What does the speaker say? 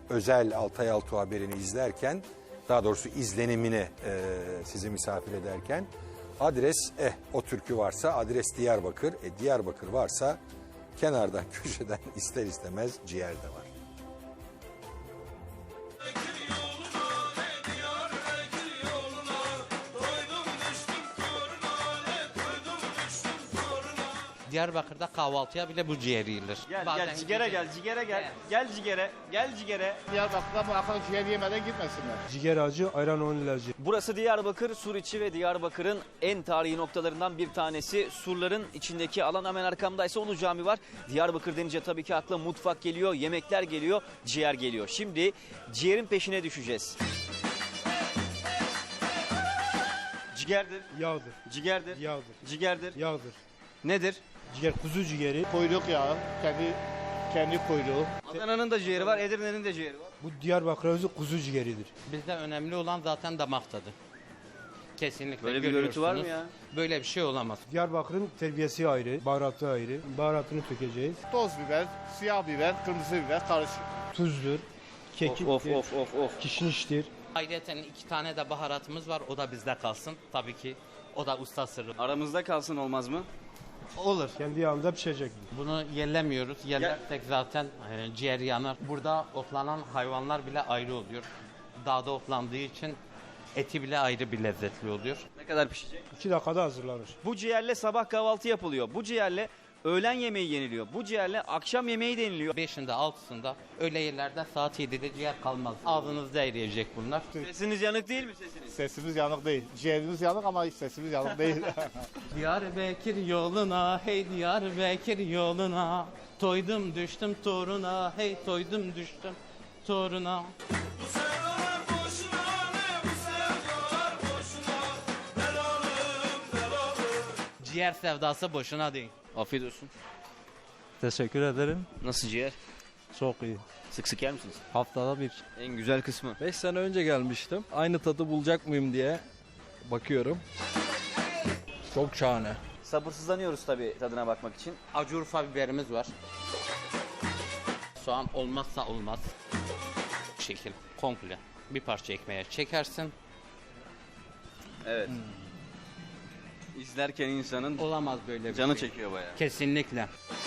özel Altay Altuğ haberini izlerken, daha doğrusu izlenimini sizi misafir ederken, adres o türkü varsa adres Diyarbakır, Diyarbakır varsa kenardan köşeden ister istemez ciğer de var. Diyarbakır'da kahvaltıya bile bu ciğer yiyilir. Gel ciğere gel, ciğere gel. Gel ciğere, gel ciğere. Diyarbakır'da bu akşam ciğer yemeden gitmesinler. Ciğer acı, ayran 10 ilacı. Burası Diyarbakır, Suriçi ve Diyarbakır'ın en tarihi noktalarından bir tanesi. Surların içindeki alan, hemen arkamdaysa Ulu Cami var. Diyarbakır denince tabii ki akla mutfak geliyor, yemekler geliyor, ciğer geliyor. Şimdi ciğerin peşine düşeceğiz. Ciğerdir, Yağdır, ciğerdir, yağdır, ciğerdir. yağdır. Nedir? Ciğer, kuzu ciğeri. Kuyruk yağı, kendi kuyruğu. Adana'nın da ciğeri var, Edirne'nin de ciğeri var. Bu Diyarbakır özü kuzu ciğeridir. Bizde önemli olan zaten damak tadı. Kesinlikle. Böyle bir görüntü var mı görüyorsunuz. ya? Böyle bir şey olamaz. Diyarbakır'ın terbiyesi ayrı, baharatı ayrı. Baharatını tökeceğiz. Toz biber, siyah biber, kırmızı biber karışık. Tuzdur, kekiktir, Of. kişniştir. Ayrıca 2 tane de baharatımız var. O da bizde kalsın. Tabii ki o da usta sırrı. Aramızda kalsın, olmaz mı? Olur. Kendi yağında pişecek. Bunu yerlemiyoruz. Yerlersek zaten ciğer yanar. Burada otlanan hayvanlar bile ayrı oluyor. Dağda otlandığı için eti bile ayrı bir lezzetli oluyor. Ne kadar pişecek? 2 dakikada hazırlanır. Bu ciğerle sabah kahvaltı yapılıyor. Bu ciğerle öğlen yemeği yeniliyor. Bu ciğerle akşam yemeği deniliyor. 5'inde 6'sında öğle yerlerde saat 7'de ciğer kalmaz. Ağzınızda eriyecek bunlar. Sesiniz yanık değil mi sesiniz? Sesimiz yanık değil. Ciğerimiz yanık ama sesimiz yanık değil. Diyarbakır yoluna, hey Diyarbakır yoluna. Toydum düştüm toruna, hey toydum düştüm toruna. Ciğer sevdası boşuna değil. Afiyet olsun. Teşekkür ederim. Nasıl ciğer? Çok iyi. Sık sık yer misiniz? Haftada bir. En güzel kısmı. 5 sene önce gelmiştim. Aynı tadı bulacak mıyım diye bakıyorum. Çok şahane. Sabırsızlanıyoruz tabii tadına bakmak için. Acı Urfa biberimiz var. Soğan olmazsa olmaz. Bu şekil komple bir parça ekmeğe çekersin. Evet. İzlerken insanın Olamaz böyle bir canı şey. çekiyor bayağı. Kesinlikle.